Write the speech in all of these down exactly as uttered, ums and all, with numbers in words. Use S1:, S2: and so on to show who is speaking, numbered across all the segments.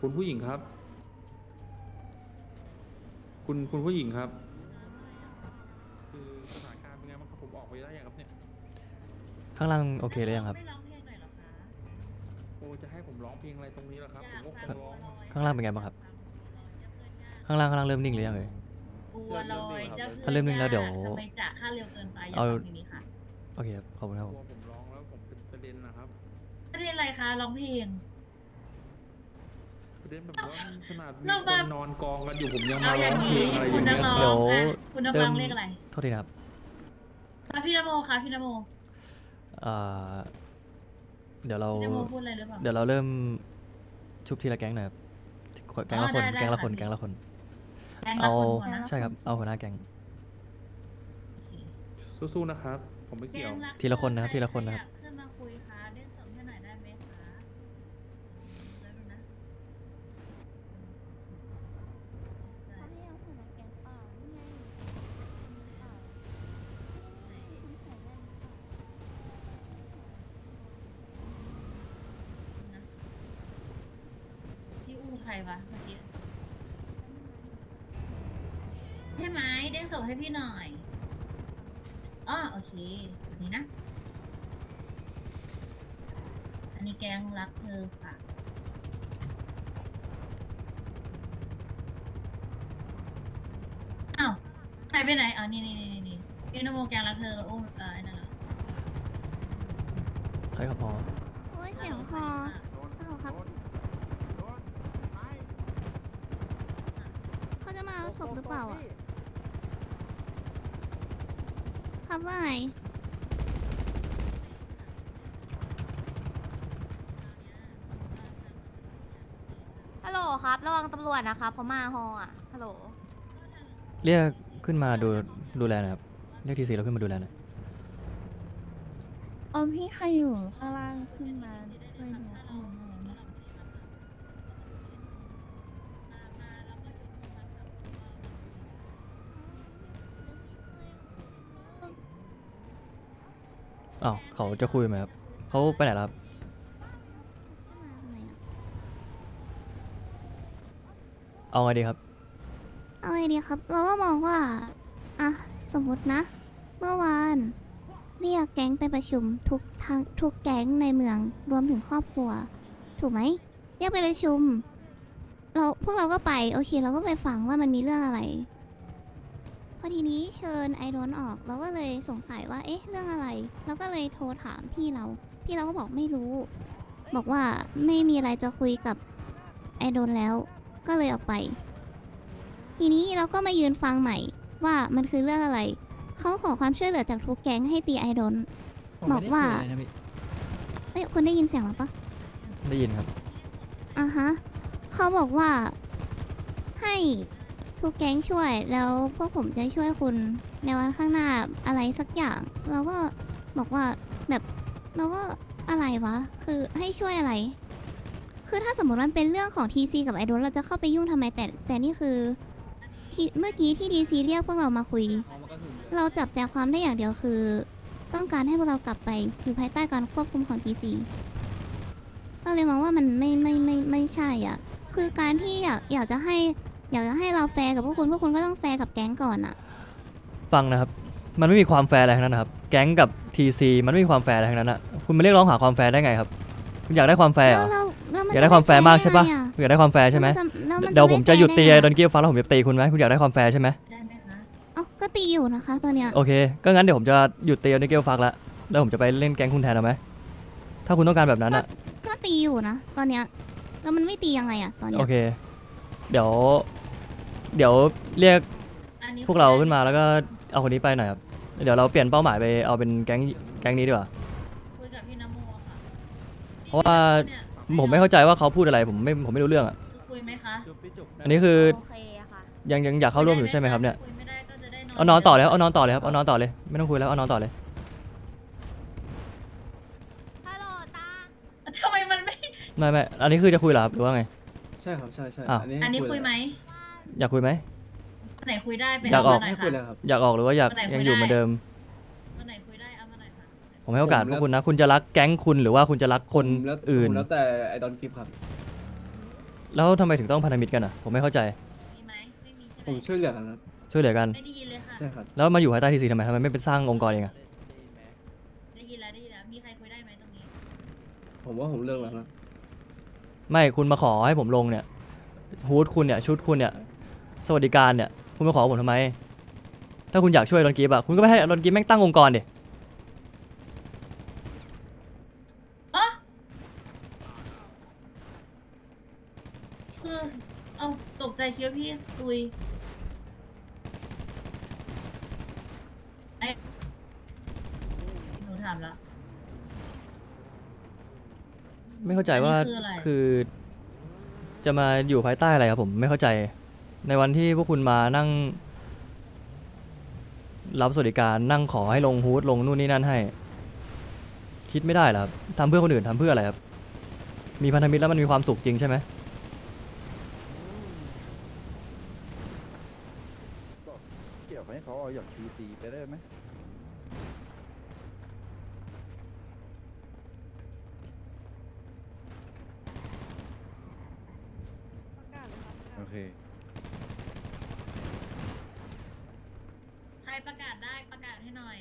S1: คุณผู้หญิงครับ คุณคุณผู้หญิงครับ คือสถานการณ์เป็นไงบ้างครับผมออกไปได้ยังครับเนี่ย
S2: ข้างล่างโอเคหรือยังครับ
S3: ไม่ร้องเพลงหน่อยเหรอคะ
S1: โอ้จะให้ผมร้องเพลงอะไรตรงนี้ล่ะครับผมก็คงร้อง
S2: ข้างล่างเป็นไงบ้างครับ ข้างล่างข้างล่างเริ่มนิ่งหรือยังเอ่ย
S3: บัวลอยเจ้า
S2: ถ้าเริ่มนิ่งแล้วเดี๋ยว
S3: ทำไมจ่าค่าเร็วเกินไปอย่า
S2: เอา
S3: ร้องเพลงนี้ค่ะ
S2: โอเคครับขอบคุณครับ
S1: ก
S2: ผ
S1: ลัว
S2: ม
S1: ผมร้องแล้วผมเป็นประเด็นนะครับ
S3: ประเด็นอะไรคะร้องเพลง
S1: ประเด็นแบบว่าขนาดมี
S3: เรา
S1: ค
S3: แบบ
S1: นนอนกองกันอยู่ผมยัง
S3: เอา
S1: มา
S3: อ
S1: ร้
S3: ย่า
S1: อง
S3: ง
S1: เพล
S3: นี้
S1: งอะไรอ
S3: คุณ
S1: ย่าง
S3: นั
S1: เงี้
S3: ก
S1: ย
S3: ร้อง
S2: เดี๋ยว
S3: ค่ะคุณนักร้องเลขอะไร
S2: โทษทีนะครับ
S3: คะพี่นโมคะพี่นโม
S2: เอ่อเดี๋ยวเรา
S3: พี่นโมพูดอะไรหรือเปล่า
S2: เดี๋ยวเราเริ่มชุบทีละแก๊งหน่อยครับแก๊งละคน
S3: อ๋อได้ได้
S2: แก๊งละคน
S3: ค่ะ
S2: แก๊งละคน
S3: แรงรั
S2: เอา
S3: กคนหัวนะ
S2: ใช่ครับเอาหัวหน้าแก๊ง
S1: สู้ๆนะครับ ผมไม่เกี่ยว
S3: แกงรัก
S2: ทีละคนนะครับ
S3: ใ
S2: ทีละคนนะครับ
S3: ใอยากขึ้นมาคุยคะเล่นสมให้หน่อยได้ไหมคะได้ไหมนะ
S4: เขาให้เอาหัวหน้าแก๊งเปล่านี่ไงมีเปล่านี่นี่คุณใส่แว่นหรือเปล่า
S3: พี่อู้ใครวะเมื่อกี้ใช่ไหมเด้งส่งให้พี่หน่อยอ๋อโอเคแบบนี้นะ อันนี้แกงรักเธอค่ะ อ้าวหายไปไหนอ๋อนี่นี่นี่นี่พี่นโมแกงรักเธอโอ้เออไอ้นั่นเหรอ
S2: ใครครับพอ
S4: โอ้ยเสียงคอฮัลโหลครับเขาจะมาเอาศพหรือเปล่าอ่ะครับว่าไง
S5: ฮัลโหลครับ ระวังตำรวจนะครับเขามาฮออ่ะ ฮัลโหล
S2: เรียกขึ้นมาดูดูแลหนะครับเรียกทีซีเราขึ้นมาดูแลหน่อย
S4: อ๋อพี่ใครอยู่ข้างล่างขึ้นมาช่วยดูข้อมูลหน่อยนะ
S2: อ้าวเขาจะคุยไหมครับเขาไปไหนแล้วครับ
S4: ขึ้นมาทำไมอ่ะ
S2: เอาไงดีครับ
S4: เอาไงดีครับ เราก็มองว่าอ่ะสมมตินะ เมื่อวานเรียกแก๊งไปประชุมทุกทางทุกแก๊งในเมืองรวมถึงครอบครัว ถูกไหมเรียกไปประชุม เราพวกเราก็ไปโอเค เราก็ไปฟังว่ามันมีเรื่องอะไร พอทีนี้เชิญไอโดนออก เราก็เลยสงสัยว่าเอ๊ะเรื่องอะไร เราก็เลยโทรถามพี่เรา พี่เราก็บอกไม่รู้ บอกว่าไม่มีอะไรจะคุยกับไอโดนแล้ว ก็เลยออกไป ทีนี้เราก็มายืนฟังใหม่ว่ามันคือเรื่องอะไร เขาขอความช่วยเหลือจากทุกแก๊งให้ตีไอโดน บอกว่า เอ้ยคุณได้ยินเสียงหรอปะ
S2: ได้ยินครับ
S4: อ่ะฮะ เขาบอกว่าให้ทุกแก๊งช่วย แล้วพวกผมจะช่วยคุณในวันข้างหน้าอะไรสักอย่าง เราก็บอกว่าแบบเราก็อะไรวะ คือให้ช่วยอะไร คือถ้าสมมติมันเป็นเรื่องของ ที ซี กับไอโดนเราจะเข้าไปยุ่งทำไม แต่แต่นี่คือที่เมื่อกี้ที่ ดี ซี เรียกพวกเรามาคุย เราจับใจความได้อย่างเดียวคือ ต้องการให้พวกเรากลับไปอยู่ภายใต้การควบคุมของ ที ซี เราเลยมองว่ามันไม่ไม่ไม่ไม่ใช่อ่ะ คือการที่อยากอยากจะให้อยากจะให้เราแฟร์กับพวกคุณพวกคุณก็ต้องแฟร์กับแก๊งก่อนอ่ะ
S2: ฟังนะครับ มันไม่มีความแฟร์อะไรทั้งนั้นนะครับ แก๊งกับทีซีมันไม่มีความแฟร์อะไรทั้งนั้นอะคุณมาเรียกร้องหาความแฟร์ได้ไงครับ คุณอยากได้ความแฟร์เหรอ
S4: เราเราเราน
S2: อยากได้ความแฟร์มากใช่ปะ
S4: ไ
S2: คุณอยากได้ความแฟร์ใช่ไหม
S4: แล้วน
S2: เดี๋ยวผมจะหยุดตี
S4: ไแฟร์
S2: ไอ้ดอนกี้ฟ้าแล้วผมจะตีคุณไหมคุณอยากได้ความแฟร์ใช่ไหม
S3: ได้ไหมคะ
S4: เอ้าก็ตีอยู่นะคะตอนเนี้ย
S2: โอเค ก็งั้นเดี๋ยวผมจะหยุดตีไอ้ดอนกี้ฟ้าละแล้วผมจะไปเล่นแก๊งคุณแทนเอาไหมถ้าคุณต้องการแบบนั้นอะ
S4: ก็ตีอยู่นะตอนเนี้ยแล้วมันไม่ตียังไงอ่ะตอนเนี้
S2: โอย เค เดี๋ยว เดี๋ยวเรียก
S3: อันนี้
S2: พวกเราขึ้นมาแล้วก็เอาคนนี้ไปหน่อยครับ เดี๋ยวเราเปลี่ยนเป้าหมายไปเอาเป็นแก๊งแก๊งนี้ดีกว่า
S3: คุยกับพี่นโมอะค่ะ
S2: เพราะว่า
S3: เนี่ย
S2: ผมไม่เข้าใจว่าเขาพูดอะไรผมไม่ผมไม่รู้เรื่องอ่ะ
S3: คุยไหมคะ
S2: อันนี้คือ
S5: โอเคอะค่ะ
S2: ยังยังอยากเข้าร่วมอยู่ใช่ไหมครับเนี่ย
S3: คุยไม่ได้ก็จะได้
S2: เอานอนต่อเลยครับเอานอนต่อเลยครับเอานอนต่อเลยไม่ต้องคุยแล้วเอานอนต่อเลย
S5: ฮัลโหลตา
S3: ทำไมมันไม่
S2: ไม่ไม่อันนี้คือจะคุยเหรอครับหรือว่าไง
S6: ใช่ครับใช่ใช่
S2: อ้าว
S3: อันนี้คุยไหม
S2: อยากคุยไหม
S3: วันไหนคุยได้ไป
S2: อยากออก
S3: เมหน่
S6: ให้
S3: อย
S6: คุย
S3: ค่ะ
S6: แล้วครับ
S2: อยากออกหรือว่าอยาก
S3: วันไหนคุย
S2: ยังอยู่
S3: ได้
S2: เหมือนเดิม
S3: วันไหนคุยได้เอามาหน่อยค่ะ
S2: ผมให้โอกาส
S6: ผม
S2: พ
S6: แล้ว ว
S2: กคุณนะ คุณจะรักแก๊งคุณหรือว่าคุณจะรักคน
S6: ผมแล้ว
S2: อื่น
S6: ผมแล้วแต่ไอดอนกิฟครับ
S2: แล้วทำไมถึงต้องพันธมิตรกันอ่ะผมไม่เข้าใจ
S3: มีไหมไม่มีใช่ไห
S6: ผม มช่วยเหลือกันครับ
S2: ช่วยเหลือกัน
S3: ไม่ได้ยินเลยค่ะ
S6: ใช่ครับ
S2: แล้วมาอยู่ภายใต้ทีซีทำไมทำไมไม่เป็นสร้างองค์กรเองอะ
S3: ได้ยินแล้วได้ยินแล้วมีใครคุยได้ไหมตรงนี้
S6: ผมว่าผมเลิกแล้วนะ
S2: ไม่คุณมาขอให้ผมลงเนี่ยฮูดคุณเนี่ยชุดคุณเนี่ยสวัสดิการเนี่ยคุณมาขอผมทำไม ถ้าคุณอยากช่วยรอนกีบอะคุณก็ไปให้รอนกีบแม่งตั้งองค์กรดิ
S3: อ๋อคือเอาตกใจคิดว่าพี่ตุยไอ้หนูถามแล้ว
S2: ไม่เข้าใจว่า
S3: อันนี้คืออะไร
S2: คือจะมาอยู่ภายใต้อะไรครับผมไม่เข้าใจ ในวันที่พวกคุณมานั่งรับสวัสดิการนั่งขอให้ลงฮูดลงนู่นนี่นั่นให้ คิดไม่ได้เหรอครับทำเพื่อคนอื่นทำเพื่ออะไรครับมีพันธมิตรแล้วมันมีความสุขจริงใช่ไหม
S7: เกี่ยวให้เขาเอาอย่างทีซีไปได้ไหมโอเค
S3: ใครประกาศได้ประกาศให้หน่อย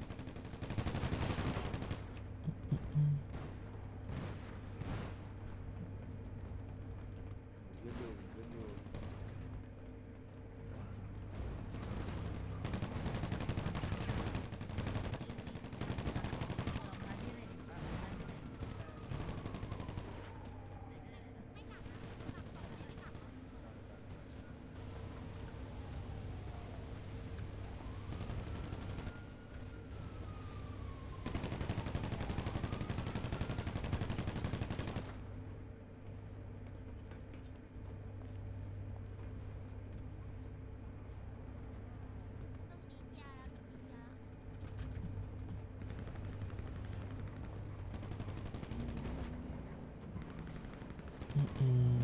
S2: อืม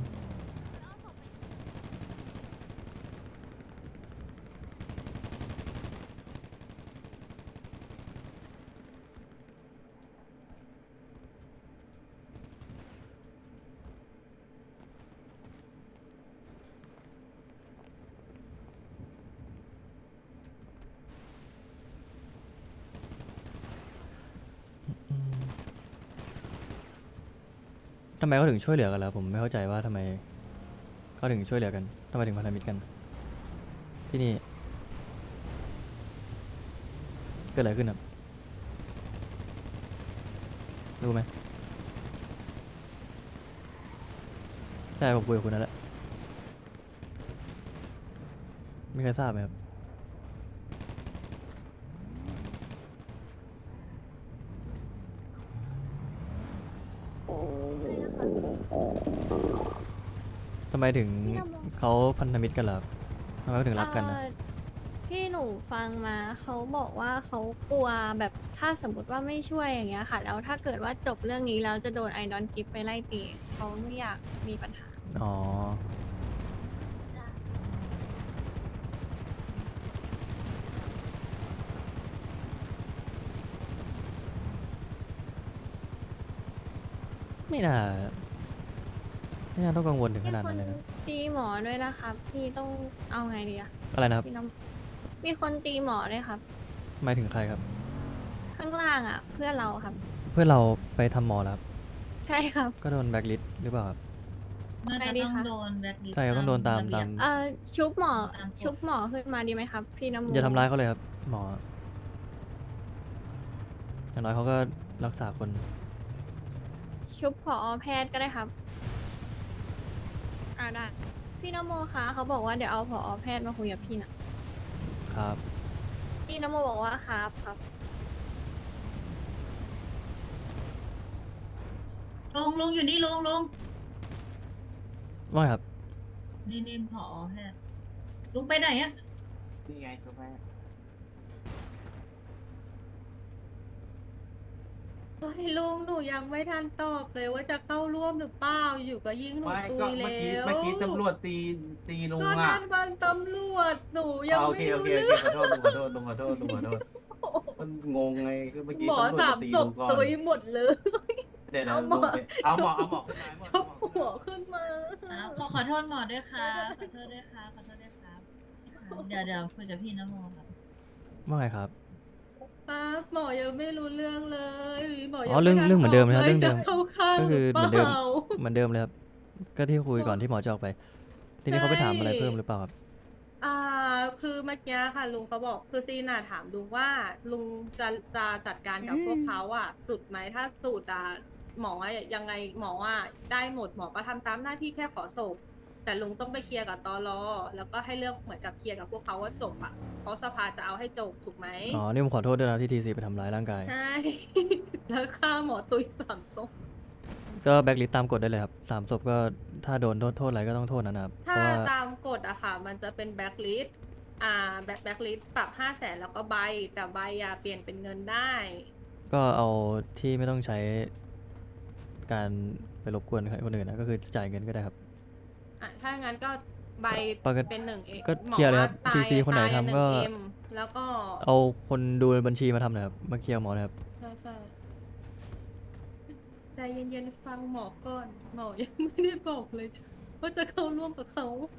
S2: ทำไมเขาถึงช่วยเหลือกันล่ะผมไม่เข้าใจว่าทำไมเขาถึงช่วยเหลือกันทำไมถึงพันธมิตรกัน ที่นี่เกิดอะไรขึ้นครับรู้ไหมใช่ผมคุยกับคุณนั่นแหละมีใครทราบไหมครับทำไมถึงเขาพันธมิตรกันล่ะครับทำไมเขาถึงรักกันนะ
S8: เอ่อที่หนูฟังมาเขาบอกว่าเขากลัวแบบถ้าสมมติว่าไม่ช่วยอย่างเงี้ยค่ะ แล้วถ้าเกิดว่าจบเรื่องนี้แล้วจะโดนไอดอนกิฟไปไล่ตีเขาไม่อยากมีปัญหา
S2: อ๋อ ไม่น่าไม่น่าต้องกังวลถึงขนาดนั้นเลยนะ
S8: ตีหมอด้วยนะครับพี่ต้องเอาไงดีอะ
S2: อะไรนะครับ
S8: พี่น้ำมีคนตีหมอด้วยครับ
S2: หมายถึงใครครับ
S8: ข้างล่างอะเพื่อนเราครับ
S2: เพื่อนเราไปทำหมอแล้วครับ
S8: ใช่ครับ
S2: ก็โดนแบล็คลิสต์หรือเปล่าครับ
S3: น่าจะ
S8: ไงดี
S3: ต้อง
S8: คะ
S3: โดนแบล็คลิสต์
S2: ใช่ครับต้องโดนตาม
S3: ระเบียบ
S2: ตาม
S8: เอ่อชุบหมอ
S3: ตามกฎ
S8: ชุบหมอขึ้นมาดีไหมครับ พี่น้ำมู
S2: อย่าทำร้ายเขาเลยครับ หมอ อย่างน้อยเขาก็รักษาคน
S8: ชุบผอแพทย์ก็ได้ครับอ่าได้พี่นโมคะเขาบอกว่าเดี๋ยวเอาผอแพทย์มาคุยกับพี่นะครับ พี่นโมบอกว่าครับครับ
S3: ลงลงอยู่นี่ลงลง
S2: ว่าไงครับ
S3: นี่นี่ผอแพทย์ลุงไปไหนอะ
S6: นี่ไงกาแฟ
S9: เฮ้ยลุงหนูยังไม่ทันตอบเลยว่าจะเข้าร่วมหรือเปล่าอยู่ก็ยิงหนู
S10: ไม่
S9: ตุ
S10: ก็
S9: ย
S10: เมื่อ
S9: แล้
S10: กี้
S9: ว
S10: เมื่อกี้ตำรวจตีตีลุง
S9: ก็
S10: อ่ะ
S9: นั่นวันตำรวจหนูยัง
S10: อ่าโอ
S9: ไม่
S10: เคโอ
S9: รู้
S10: เค
S9: เรื่
S10: โอ
S9: อง
S10: เคขอโทษลุงขอโทษลุงขอโทษลุงขอโทษมันงงไงคือเมื่อกี้
S9: หมอ
S10: ตำรวจ
S9: สาม
S10: ตี
S9: ศ
S10: ลุ
S9: พ
S10: งก่อน
S9: ตุยหมดเลย
S10: เดี๋ยวนะ
S9: เอาหม
S10: ลุ
S9: อ
S10: งไปเอาหมอเอาหมอขึ้นมาเอาหมอขึ้น
S9: หัวขึ้นมา
S3: อ่ะขอขอโทษหมอด้วยครับขอโทษด้วยครับขอโทษด้วยครับเดี๋ยวเดี๋ยวคุยกับพี่นโมครับ
S2: ว่าไงครับ
S9: ครับหมอยังไม่รู้เรื่องเลยหมอ
S2: อ๋
S9: ยั
S2: อเรื่อง
S9: ไม่ทั
S2: เรื่องเหมือนเดิมนะครับ
S9: บ
S2: เรื่องเดิม
S9: จะเข้าข้าง
S2: ก็คือ
S9: ห
S2: เหมื
S9: รือ
S2: อนเดิม
S9: เปล่า
S2: เหมือนเดิมเลยครับก็ที่คุยก่อนที่หมอจะออกไป ทีนี้เขาไปถามอะไรเพิ่มหรือเปล่าครับ
S9: อ่าคือเมื่อกี้ค่ะลุงเขาบอกคือซีน่ะถามลุงว่าลุงจะจะจัดการกับพวกเขาอ่ะสุดไหมถ้าสุดอ่ะหมออะยังไงหมออ่ะได้หมดหมอก็ทำตามหน้าที่แค่ขอศพแต่ลุงต้องไปเคลียร์กับตลแล้วก็ให้เลือกเหมือนกับเคลียร์กับพวกเขาว่าจบอ่ะเพราะสภาจะเอาให้จบถูกไหม
S2: อ๋อ นี่ผมขอโทษด้วยนะที่ทีซีไปทำร้ายร่างกาย
S9: ใช่ แล้วค่าหมอตุยสามศพ
S2: ก็แบ็กลิสตามกฎได้เลยครับสามศพก็ถ้าโดนโทษโทษอะไรก็ต้องโทษนะครับ เพ
S9: ถ้า
S2: ราะว่า
S9: ตามกฎอะค่ะ มันจะเป็นแบ็คลิสต์อ่าแบ็คแบ็คลิสต์ปรับห้าแสนแล้วก็ใบ แต่ใบอะเปลี่ยนเป็นเงินได้
S2: ก็เอาที่ไม่ต้องใช้การไปรบกวนคนอื่นนะก็คือจ่ายเงินก็ได้ครับ
S9: อ่ะ ถ้างั้นก็ใบ
S2: ปกติ
S9: เป็นหนึ่งเอ
S2: ก็เคลียร์เลยครับ
S9: ตาย
S2: ที ซี คนไหน
S9: ตายอะ
S2: ทำก็
S9: หนึ่ง เอ็ม แล้วก็
S2: เอาคนดูบัญชีมาทำหนะครับมาเคลียร์หมอนะครับ
S9: ใช่ใช่ใจเย็นๆฟังหมอก่อน หมอยังไม่ได้บอกเลย ว่าจะเข้าร่วมกับเขา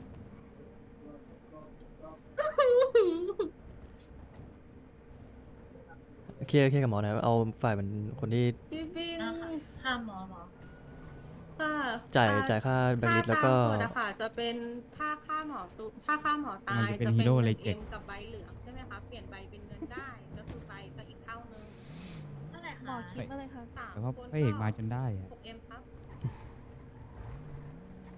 S2: เคลียร์เคลียร์กับหมอนะครับเอาฝ่ายมันคนที่
S9: พี่บิง
S3: นะคะค่าหมอหมอ
S9: ค่ะ
S2: จ่าย
S9: ค่
S2: จ่ายค่าแบ็กลิสแล้วก็
S9: ถ้าตามกฎอะค่ะจะเป็นถ้าค่าหมอตุถ้าค่าหมอตาย
S1: มันจะเป็น
S9: จะ
S1: ฮี
S9: เป็น
S1: โร่
S9: ห
S1: เล
S9: นึ่
S1: ย
S9: ง
S1: เจ็
S9: เอ็
S1: ด
S9: มกับใบเหลืองใช่ไหมคะเปลี่ยนใบเป็นเงินได้ ก็คือใบก็อีกเท่านึง
S3: เท่าไหร่คะ
S9: สาม
S1: แต่ว่า
S9: คน
S1: พระเอกมาจนได้อะ
S9: หกเอ็ม